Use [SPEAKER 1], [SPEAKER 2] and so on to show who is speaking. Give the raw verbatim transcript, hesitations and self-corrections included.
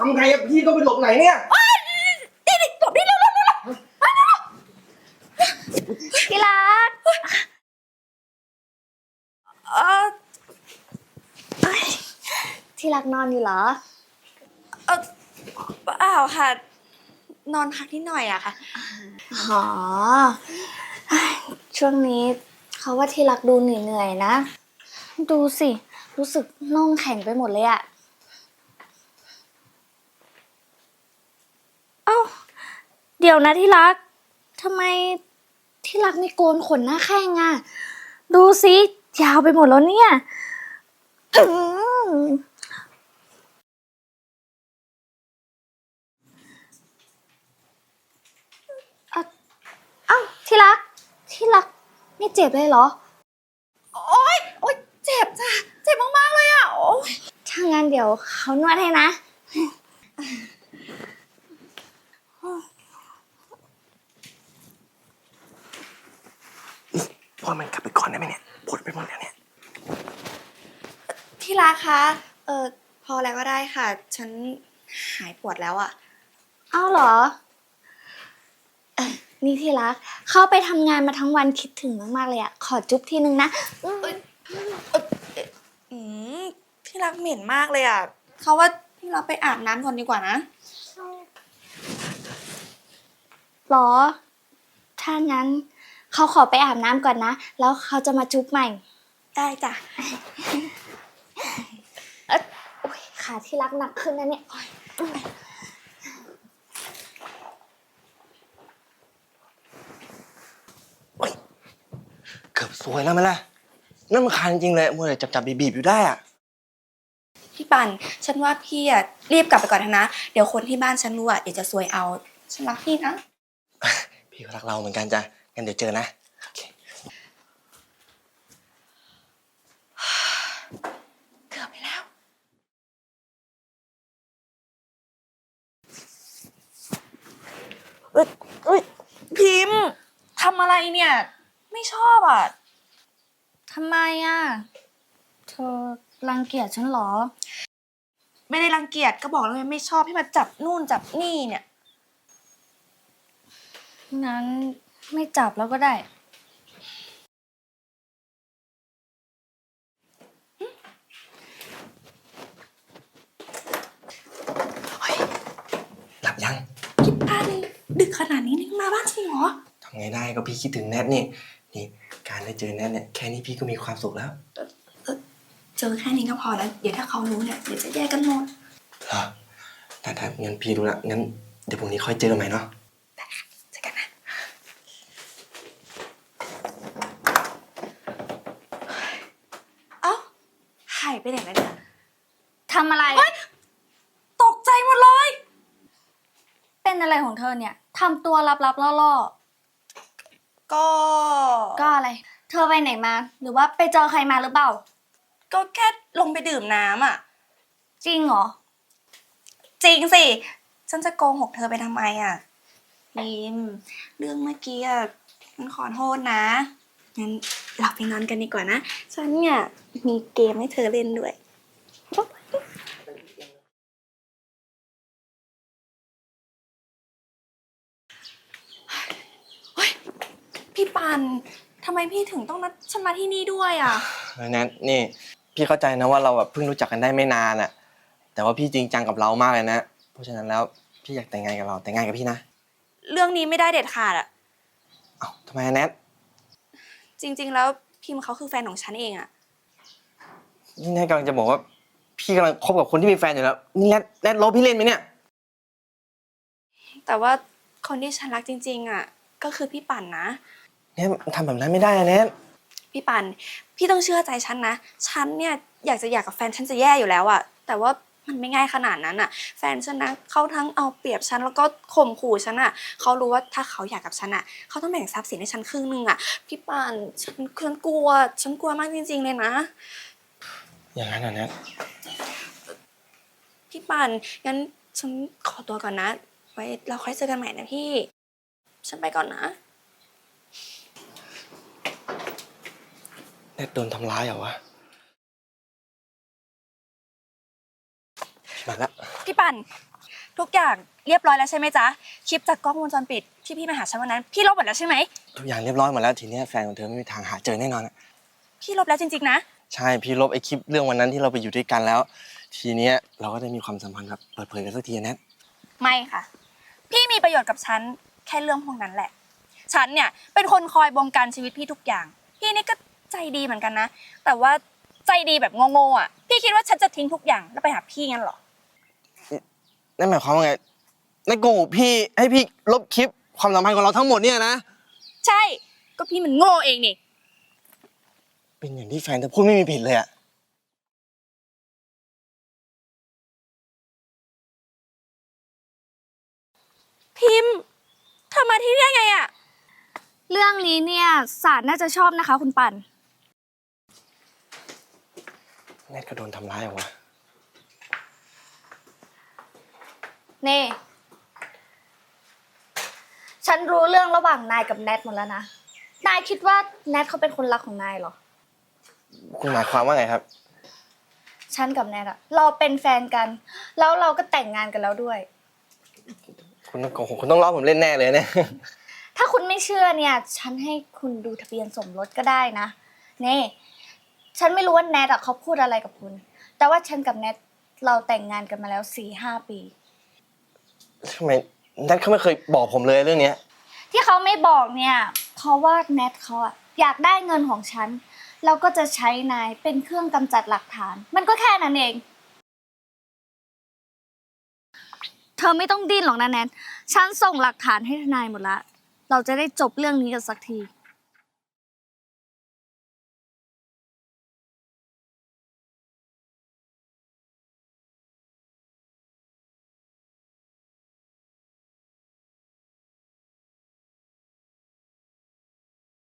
[SPEAKER 1] ำไงอะพี่ต้องไปหลบไหนเนี่ย
[SPEAKER 2] นี่นี่หลบนี่เร็วเร็วเร็วมาเร็วที่รักเออที่รักนอนอยู่เหรอเออเปล่าค่ะนอนพักนิดหน่อยอะค่ะอ๋อช่วงนี้เขาว่าที่รักดูเหนื่อยๆนะดูสิรู้สึกน่องแข็งไปหมดเลยอะเอ้าเดี๋ยวนะที่รักทำไมที่รักไม่โกนขนหน้าแข้งอะดูสิยาวไปหมดแล้วเนี่ยอืมเอ้าเอ้าที่รักที่รักไม่เจ็บเลยเหรอโอ๊ยโอ๊ยเจ็บจ้ะเจ็บมากๆเลยอะโอ๊ยถ้างั้นเดี๋ยวเขานวดให้นะ
[SPEAKER 1] พ่อมันกลับไปก่อนได้ไหมเนี่ยปวดไปหมดแล้วเนี่ย
[SPEAKER 2] ที่รักคะเออพอแล้วก็ได้ค่ะฉันหายปวดแล้วอะเอ้าเหรอเออนี่ที่รักเข้าไปทำงานมาทั้งวันคิดถึงมากๆเลยอะขอจุ๊บทีนึงนะอืมที่รักเหม็นมากเลยอะเขาว่าที่รักไปอาบน้ำก่อนดีกว่านะหรอถ้างั้นเขาขอไปอาบน้ำก่อนนะแล้วเขาจะมาจุ๊บใหม่ได้จ้ะเออโอ๊ยขาที่รักหนักขึ้นนะเนี่ย
[SPEAKER 1] เกือบซวยแล้วไหมล่ะนั่นมันคันจริงเลยมัวแต่จับจับบีบๆอยู่ได้อะ
[SPEAKER 2] พี่ปันฉันว่าพี่อ่ะรีบกลับไปก่อนนะเดี๋ยวคนที่บ้านฉันรู้อ่ะเดี๋ยวจะซวยเอาฉันรักพี่นะ
[SPEAKER 1] พี่ก็รักเราเหมือนกันจ้ะงั้นเดี๋ยวเจอนะโอเค
[SPEAKER 2] เกือบไปแล้วเอ้ยเอ้ยพิมพ์ทำอะไรเนี่ยไม่ชอบอ่ะทำไมอ่ะเธอรังเกียจฉันเหรอไม่ได้รังเกียจก็บอกแล้วไงไม่ชอบให้มาจับนู่นจับนี่เนี่ยงั้นไม่จับแล้วก็ได้
[SPEAKER 1] หลับยัง
[SPEAKER 2] พี่ปันดึกขนาดนี้นี่มาบ้านจริงเหรอ
[SPEAKER 1] ทำไงได้ก็พี่คิดถึงแนทนี่นี่การได้เจอแนทเนี่ยแค่นี้พี่ก็มีความสุขแล้ว
[SPEAKER 2] เจอแค่นี้ก็พอแล้วเดี๋ยวถ้าเขารู้เนี่ยเดี๋ยวจะแยกกันหมด
[SPEAKER 1] เหรอแต่ถ้างั้นพี่รู้ละงั้นเดี๋ยวพรุ่งนี้ค่อยเจอใหม่เนาะ
[SPEAKER 2] ได้ค่ะเจอกันนะเอ้าหายไปไหนแล้วเนี่ยทำอะไรตกใจหมดเลยเป็นอะไรของเธอเนี่ยทำตัวลับๆล่อๆก็ก็อะไร เธอไปไหนมา หรือว่าไปเจอใครมาหรือเปล่า ก็แค่ลงไปดื่มน้ำอ่ะ จริงเหรอ จริงสิ ฉันจะโกหกเธอไปทำไมอ่ะพิมเรื่องเมื่อกี้อ่ะฉันขอโทษนะ งั้นเราไปนอนกันดีกว่านะ ฉันเนี่ยมีเกมให้เธอเล่นด้วยพี่ปันทำไมพี่ถึงต้องนัดฉันมาที่นี่ด้วยอ่ะ
[SPEAKER 1] แนทนี่พี่เข้าใจนะว่าเราแบบเพิ่งรู้จักกันได้ไม่นานอะแต่ว่าพี่จริงจังกับเรามากเลยนะเพราะฉะนั้นแล้วพี่อยากแต่งงานกับเราแต่งงานกับพี่นะ
[SPEAKER 2] เรื่องนี้ไม่ได้เด็ดขาดอ่ะ
[SPEAKER 1] เอ้าทำไมแนท
[SPEAKER 2] จริงๆแล้วพิมเขาคือแฟนของฉันเองอ่ะ
[SPEAKER 1] นี่แนทกำลังจะบอกว่าพี่กำลังคบกับคนที่มีแฟนอยู่แล้วนี่แนทแนทลบพี่เล่นไหมเนี่ย
[SPEAKER 2] แต่ว่าคนที่ฉันรักจริงๆอ่ะก็คือพี่ปั่นนะ
[SPEAKER 1] แนททำแบบนั้นไม่ได้นะแนท
[SPEAKER 2] พี่ปั่นพี่ต้องเชื่อใจฉันนะฉันเนี่ยอยากจะอยากกับแฟนฉันจะแย่อยู่แล้วอ่ะแต่ว่ามันไม่ง่ายขนาดนั้นอ่ะแฟนฉันนะเขาทั้งเอาเปรียบฉันแล้วก็ข่มขู่ฉันอ่ะเขารู้ว่าถ้าเขาอยากกับฉันอ่ะเขาต้องแบ่งทรัพย์สินให้ฉันครึ่งนึงอ่ะพี่ปั่นฉันฉันกลัวฉันกลัวมากจริงๆเลยนะ
[SPEAKER 1] อย่างนั้นเหรอแนท
[SPEAKER 2] พี่ปั่นงั้นฉันขอตัวก่อนนะไว้เราค่อยเจอกันใหม่นะพี่ฉันไปก่อนนะ
[SPEAKER 1] แนทโดนทำร้ายเหรอวะมาละ
[SPEAKER 2] พี่ปั่น
[SPEAKER 3] ทุกอย่างเรียบร้อยแล้วใช่ไหมจ๊ะคลิปจากกล้องวงจรปิดที่พี่มาหาฉันวันนั้นพี่ลบหมดแล้วใช่ไหม
[SPEAKER 1] ทุกอย่างเรียบร้อยหมดแล้วทีเนี้ยแฟนของเธอไม่มีทางหาเจอแน่นอนอะ
[SPEAKER 3] พี่ลบแล้วจริงๆนะ
[SPEAKER 1] ใช่พี่ลบไอ้คลิปเรื่องวันนั้นที่เราไปอยู่ด้วยกันแล้ว ทีเนี้ยเราก็ได้มีความสัมพันธ์แบบเปิดเผยกันสักทีนะ
[SPEAKER 3] ไม่ค่ะ พี่มีประโยชน์กับฉันแค่เรื่องพวกนั้นแหละ ฉันเนี่ยเป็นคนคอยบงการชีวิตพี่ทุกอย่าง พี่นี่ก็ใจดีเหมือนกันนะ แต่ว่าใจดีแบบโง่ๆอ่ะ พี่คิดว่าฉันจะทิ้งทุกอย่างแล้วไปหาพี่งั้นเหรอ
[SPEAKER 1] นั่นหมายความว่าไงนั่นโกหกพี่ให้พี่ลบคลิปความสัมพันธ์ของเราทั้งหมดเนี่ยนะ
[SPEAKER 3] ใช่ ก็พี่มันโง่เองนี่
[SPEAKER 1] เป็นอย่างที่แฟนเธอพูดไม่มีผิดเลยอะ
[SPEAKER 3] พิมพ์เธอมาที่นี่ได้ไงอ่ะ
[SPEAKER 2] เรื่องนี้เนี่ยศาลน่าจะชอบนะคะ คุณปั่น
[SPEAKER 1] แนทก็โดนทำร้ายเหรอวะ
[SPEAKER 2] เน่ ฉันรู้เรื่องระหว่างนายกับแนทหมดแล้วนะ นายคิดว่าแนทเขาเป็นคนรักของนายเหรอ
[SPEAKER 1] คุณหมายความว่าไงครับ
[SPEAKER 2] ฉันกับแนทอะเราเป็นแฟนกัน แล้วเราก็แต่งงานกันแล้วด้วย
[SPEAKER 1] คุณต้องโกหกคุณต้องล้อผมเล่นแน่เลยเนี่ย
[SPEAKER 2] ถ้าคุณไม่เชื่อเนี่ย ฉันให้คุณดูทะเบียนสมรสก็ได้นะ เน่ ฉันไม่รู้ว่าแนทอะเขาพูดอะไรกับคุณ แต่ว่าฉันกับแนทเราแต่งงานกันมาแล้วสี่ห้าปี
[SPEAKER 1] ทำไมแนทเขาไม่เคยบอกผมเลยเรื่องเนี้ย
[SPEAKER 2] ที่เขาไม่บอกเนี่ย เพราะว่าแนทเขาอะอยากได้เงินของฉัน แล้วก็จะใช้นายเป็นเครื่องกำจัดหลักฐาน มันก็แค่นั้นเอง เธอไม่ต้องดิ้นหรอกนะแนท ฉันส่งหลักฐานให้ทนายหมดละ เราจะได้จบเรื่องนี้กันสักที